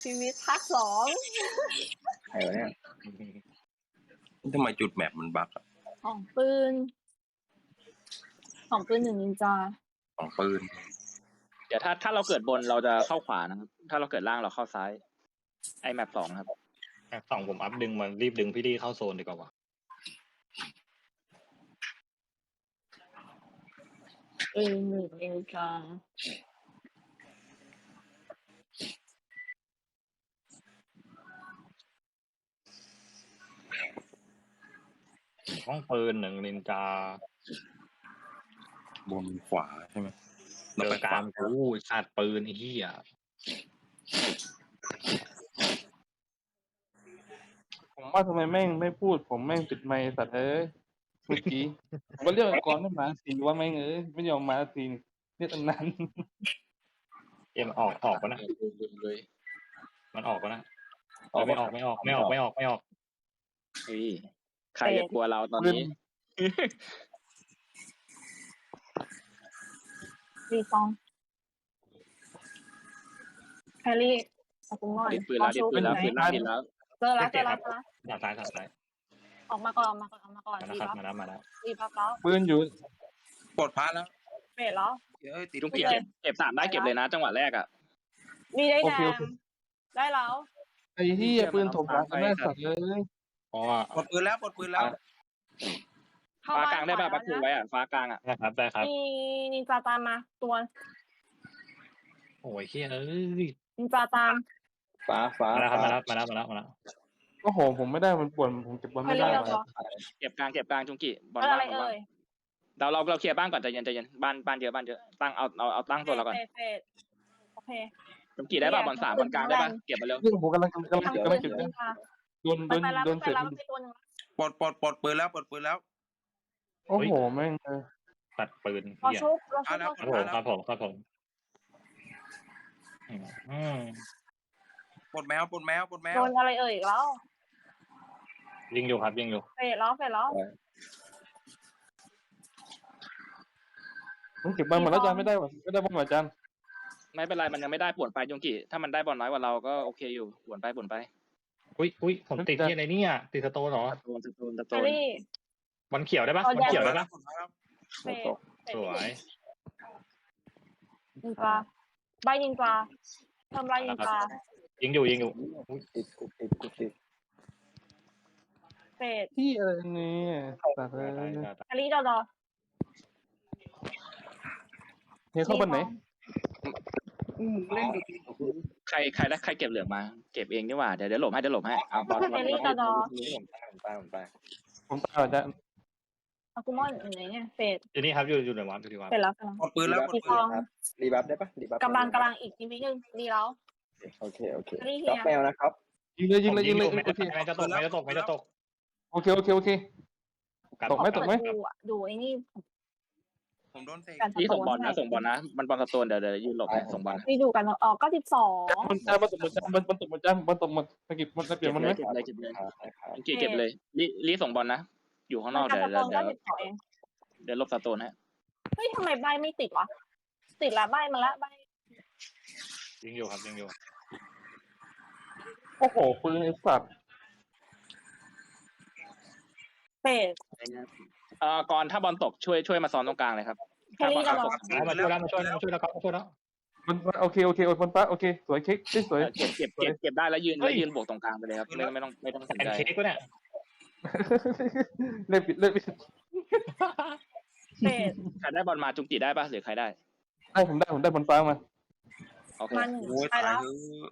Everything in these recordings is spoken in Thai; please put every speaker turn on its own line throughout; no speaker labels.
ชีวิตภาคสอง
ใครวะเนี่ย
ทำไมจุดแมปมันบั๊กอะ
ของปืนหนึ่งนินจา
ของปืน
เดี๋ยวถ้าเราเกิดบนเราจะเข้าขวานะครับถ้าเราเกิดล่างเราเข้าซ้ายไอแมปสองครับ
สองผมอัพดึงมันรีบดึงพี่ดีเข้าโซนดีกว่า
ปืนหนึ่งนินจา
ห้องปืนหนึ่งนินจา
บนขวาใช่ไหม
เจอกลางกูชาติปืนไอ้เหี้ย
ผมว่าทำไมแม่งไม่พูดผมแม่งปิดไมค์สัตว์เอ้ยเมื่อกี้ผมก็เรียกก่อนไม่มาสีว่าแม่งเอ้ยไม่ยอมมาสีเนี่ยตั้งนาน
เอ็มออกปะนะ
เลย
มันออกปะนะไม่ออกไม่ออก
เฮ้ยใครจะกลัวเราตอนนี้
รีซองแฮร์รี่อากุมอน
ดิดปืนแล้วดิดปืนแล้วปืนล่างดิดแล้ว
เจอแล้ว
ทางซ้าย
ออกมาก่อนรีบัฟ
มาแล้ว
รีบัฟแล้ว
ปืนอยู่
ปลดพาแล้ว
เฟดแล้ว
เอ้ยติด
จุง
เป
กี
ลี่ยน
เก็บ3ได้เก็บเลยนะจังหวะแรกอ่ะ
มีได้แดงได้แล้ว
ไอ้ที่ปืนถมหลังแม่สัตว์เลย
เพราะว่า
ปลดปืนแล้วปลดปืนแล้ว
ฟ้ากลางได้ป่ะปักคูไว้อ่ะฟ้ากลางอ่ะ
ได้ครับ
มีนินจาตามมาตัว
โอ้ยเหี้ยเอ้ย
นินจาตาม
ฟ้า
มาแล้ว
โอ้โหผมไม่ได้มันปวดผมเก็บบอล
แฮ
ไม่
ร์
ได้
รี่
ว่ะ
เหรอ
เก็บกลางจุงกีบอล
อะไร
บ้าง
เอ่ย
เราเคลียร์บ้านก่อนใจเย็นบ้านเยอะตั้งเอาตั้งตัวเราก่อน
เฟดโอเค
จุงกีได้ป่ะบอล3บอลกลางได้ป่ะเก็บมาเร็ว
เรื่องผมกำลังเก็บ
ทำปืน
เก็บ
นินจา
โดน
ไปแล้ว
เสร็จ
ไปตัวนึง
ปลดปืนแล้วปลดปืนแล้ว
โอ้โหแม่ง
ตัดปืน
เรา
เหี้ย
ชุบ
ครับผม
ปลดแมว
โดนอะไรเอ่ยแล้ว
ยิงอยู่
เฟดแล้ว
ผมเก็บบอลหมดแล้วจานไม่ได้ว่ะไม่ได้บอลหมดจาน
ไม่เป็นไรมันยังไม่ได้ป่วนไปจุงกีถ้ามันได้บอลน้อยกว่าเราก็โอเคอยู่ป่วนไป
อุ้ยผมติดที่อะไรเนี่ยติดสโตนเหรอ
ตะโก
แฮร์รี่
บอลเขียวได้ปะบอลเขียวได้ปะ
เฟด
สวย
นินจาใบนินจาทำไรนินจา
ยิงอยู่
ติดติด
เฟด
ที่อะไรเนี่ยสัตว์เลย
แฮร์รี่ดอ
เฮ้ยเข้าบอลไหน
ใครเก็บเหลืองมาเก็บเองดีกว่าเดี๋ยวหลบให้เอาบอล
แฮร์รี่ดอ
ผมไป
ผมตายจาน
อากุมอนอยู่ไหนเนี่ยเฟด
อยู่นี่ครับอยู่ในวัดอยู่ที่วัด
เฟดแล้ว
ปลดปืนแล้ว
รีซอง
รีบัฟได้ปะรีบัฟ
กำลังอีกนิดนึงดีแล้ว
โอเค
แฮร์รี่
ล็อก
เฮีย
แมวนะครับ
ยิงเลย
ไม่จะตก
โอเค โอเคตกไหม
ดูไอ้นี่
ผมโดนเตะ
นี่ส่งบอลนะมันบอลสโตนเดี๋ยวยืนหลบส่งบอล
นี่ดูกันออก92
มันตกหมดสกิปมันเปลี่ยนมันไหม
เก็บเลยเก็บเลยรีส่งบอลนะอยู่ข้างนอกเดี๋ยว
เอง
เดี๋ยวลบสโตนฮะ
เฮ้ยทำไมใบไม่ติดวะติดละใบมาละใบ
ยิงอยู่ครับ
โอ้โหปืนไอ้สัตว์
เฟด
ก่อนถ้าบอลตกช่วยมาซ้อนตรงกลางเลยครับ
แฮร์รี่ดอ
มาช่วยแล้วครับ
มันโอเคบอลฟ้าโอเคสวยเค้กสวย
เก็บได้แล้วยืนบวกตรงกลางไปเลยครับไม่ต้องสน
แอน
ใจ
เค้กก็เนี่ย
เล่นปิด
เฟด
ใครได้บอลมาจุงกีได้ป่ะหรือใครได้
ผมได้บอลฟ้ามา
โอเค
มัน
โอ้ย
ไป
ตาย
แล้ว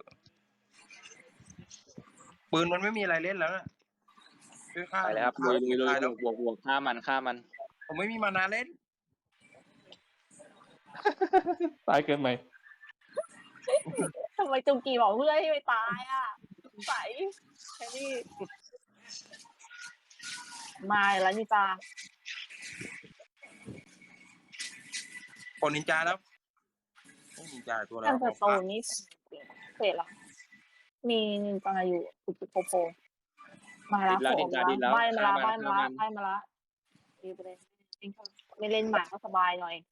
ปืนมันไม่มีอะไรเล่นแล้ว
ไปเลยครับลุยบวกฆ่ามัน
ผมไม่มีมานาเล่น
ตายเกินไหม
ทำไมจุงกีบอกเพื่อนให้ไปตายอ่ะใสแฮร์รี่มาแล้วนี่จ้า
ปลดนินจาแล้วนินจาตัวแล้
ท่า
วน
สโตนนี่เฟดละมีนินจาอยู่ปุบโปมาแล้วใบมาละดีไปเลยไม่เล่นหมาก็สบายหน่อย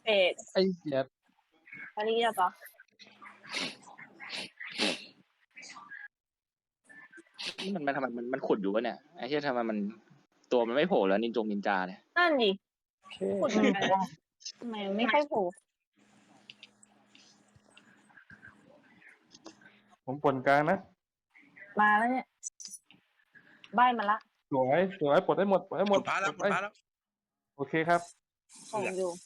เอ็ด
ไอ้เหี้ย
อันนี้จะปะ
มันทำไมมันขุดอยู่วะเนี่ยไอ้เหี้ยทำไมมันตัวมันไม่โผล่แล้วนินจาเนี่ย
นั่นดิ
โอเค
ขุดเหมือนกันทำไมไม่ค่อยโผล่
ผมปนกลางนะ
มาแล้วเนี่ยใบมาละ
สวยปลดได้หมดปลดได้หม
หม
ด
ดพาแล้วหมดพาแล้ว
โอเคครับ
ส่งอยู่